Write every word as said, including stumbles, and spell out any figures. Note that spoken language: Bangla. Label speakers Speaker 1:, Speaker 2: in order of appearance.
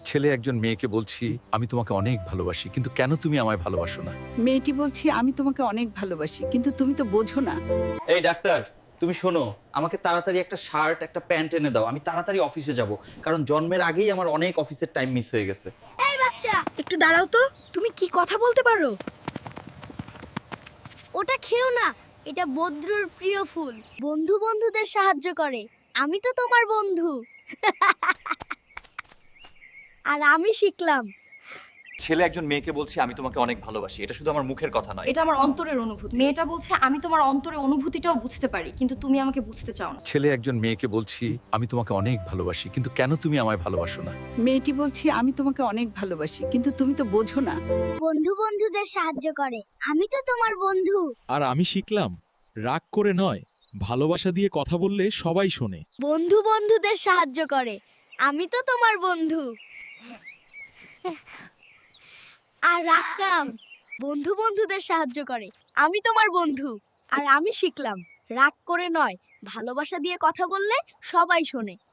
Speaker 1: ছেলে একজন মেয়েকে বলছি আমি তোমাকে অনেক ভালোবাসি, কিন্তু কেন তুমি আমায় ভালোবাসো না?
Speaker 2: মেয়েটি বলছি আমি তোমাকে অনেক ভালোবাসি, কিন্তু তুমি তো বোঝো না।
Speaker 3: এই ডাক্তার, তুমি শোনো, আমাকে তাড়াতাড়ি একটা শার্ট একটা প্যান্ট এনে দাও, আমি তাড়াতাড়ি অফিসে যাব, কারণ জন্মের আগেই আমার অনেক অফিসের টাইম মিস হয়ে গেছে।
Speaker 4: এই বাচ্চা, একটু দাঁড়াও তো। তুমি কি কথা বলতে পারো? ওটা খেও না, এটা বদ্রুর প্রিয় ফুল। বন্ধু বন্ধুদের সাহায্য করে। আমি তো তোমার বন্ধু। আর আমি শিখলাম।
Speaker 3: ছেলে একজন মেয়েকে বলছে আমি তোমাকে অনেক ভালোবাসি, এটা শুধু আমার মুখের কথা নয়।
Speaker 5: এটা আমার অন্তরের অনুভূতি। মেয়েটা বলছে আমি তোমার অন্তরের অনুভূতিটাও বুঝতে পারি, কিন্তু তুমি আমাকে বুঝতে চাও না।
Speaker 1: ছেলে একজন মেয়েকে বলছি আমি তোমাকে অনেক ভালোবাসি, কিন্তু কেন তুমি আমায় ভালোবাসো না?
Speaker 2: মেয়েটি বলছি আমি তোমাকে অনেক ভালোবাসি, কিন্তু তুমি তো বোঝো না।
Speaker 4: বন্ধু বন্ধুদের সাহায্য করে। আমি তো তোমার বন্ধু।
Speaker 6: আর আমি শিখলাম, রাগ করে নয়, ভালোবাসা দিয়ে কথা বললে সবাই শোনে।
Speaker 4: বন্ধু বন্ধুদের সাহায্য করে। আমি তো তোমার বন্ধু। আর রাখলাম, বন্ধু বন্ধুদের সাহায্য করে। আমি তোমার বন্ধু। আর আমি শিখলাম, রাগ করে নয়, ভালোবাসা দিয়ে কথা বললে সবাই শোনে।